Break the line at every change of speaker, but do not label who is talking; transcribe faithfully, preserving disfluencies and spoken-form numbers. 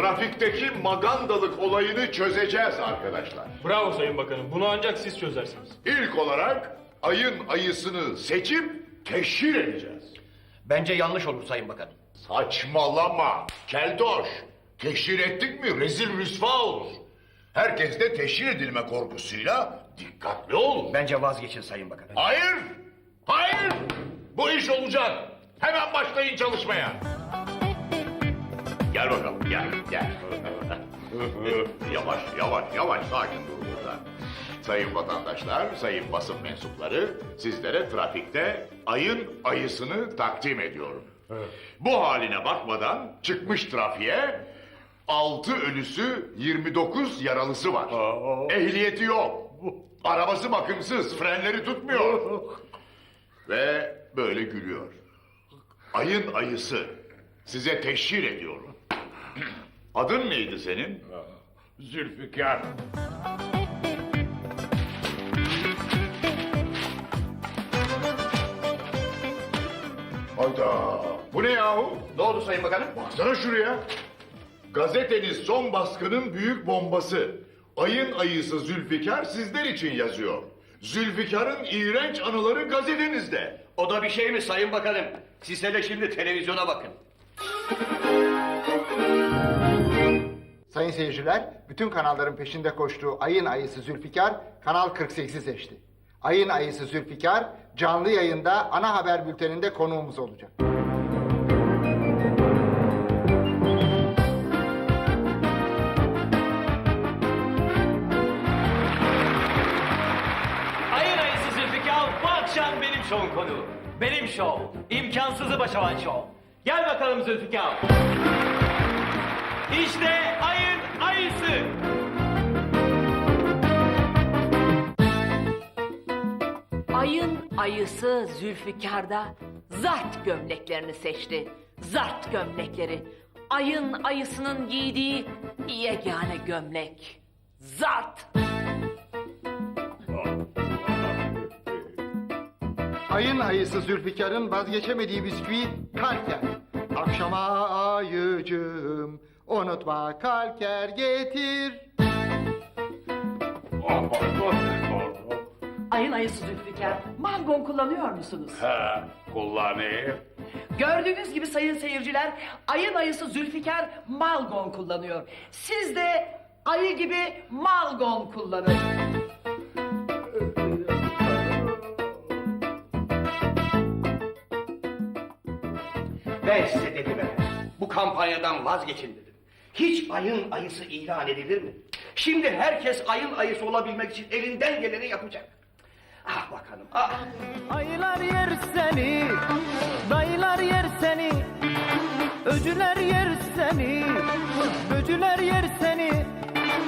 trafikteki magandalık olayını çözeceğiz arkadaşlar.
Bravo Sayın Bakanım. Bunu ancak siz çözersiniz.
İlk olarak ayın ayısını seçip teşhir edeceğiz.
Bence yanlış olur Sayın Bakanım.
Saçmalama keltoş. Teşhir ettik mi rezil rüsva olur. Herkes de teşhir edilme korkusuyla dikkatli olun.
Bence vazgeçin Sayın Bakanım.
Hayır, hayır. Bu iş olacak. Hemen başlayın çalışmaya. Gel bakalım, gel, gel. Yavaş, yavaş, yavaş, sakin dur burada. Sayın vatandaşlar, sayın basın mensupları, sizlere trafikte ayın ayısını takdim ediyorum. Bu haline bakmadan çıkmış trafiğe altı ölüsü yirmi dokuz yaralısı var. Ehliyeti yok. Arabası bakımsız, frenleri tutmuyor. Ve böyle gülüyor. Ayın ayısı. Size teşhir ediyorum. Adın neydi senin? Zülfikar. Hayda. Bu ne yahu?
Ne oldu Sayın Bakanım?
Baksana şuraya. Gazeteniz son baskının büyük bombası. Ayın ayısı Zülfikar sizler için yazıyor. Zülfikar'ın iğrenç anıları gazetenizde.
O da bir şey mi Sayın Bakanım? Siz hele şimdi televizyona bakın.
Sayın seyirciler, bütün kanalların peşinde koştuğu Ayın Ayısı Zülfikar, Kanal kırk sekizi seçti. Ayın Ayısı Zülfikar, canlı yayında ana haber bülteninde konuğumuz olacak.
Ayın ayısı Zülfikar bu akşam benim şovun konuğu. Benim şov. İmkansızı başaran şov. Gel bakalım Zülfikar. İşte ayın ayısı.
Ayın ayısı Zülfikar'da zart gömleklerini seçti. Zart gömlekleri. Ayın ayısının giydiği yegane gömlek. Zart.
Ayın Ayısı Zülfikar'ın vazgeçemediği bisküvi kalker. Akşama ayıcığım, unutma kalker getir.
Ayın ayısı Zülfikar, mangon kullanıyor musunuz?
He, kullanayım.
Gördüğünüz gibi sayın seyirciler, ayın ayısı Zülfikar malgon kullanıyor. Siz de ayı gibi malgon kullanın.
Ben size dedim efendim. Bu kampanyadan vazgeçin dedim. Hiç ayın ayısı ilan edilir mi? Şimdi herkes ayın ayısı olabilmek için elinden geleni yapacak. Ah bakanım, ah.
Ayılar yer seni, dayılar yer seni, öcüler yer seni, böcüler yer seni.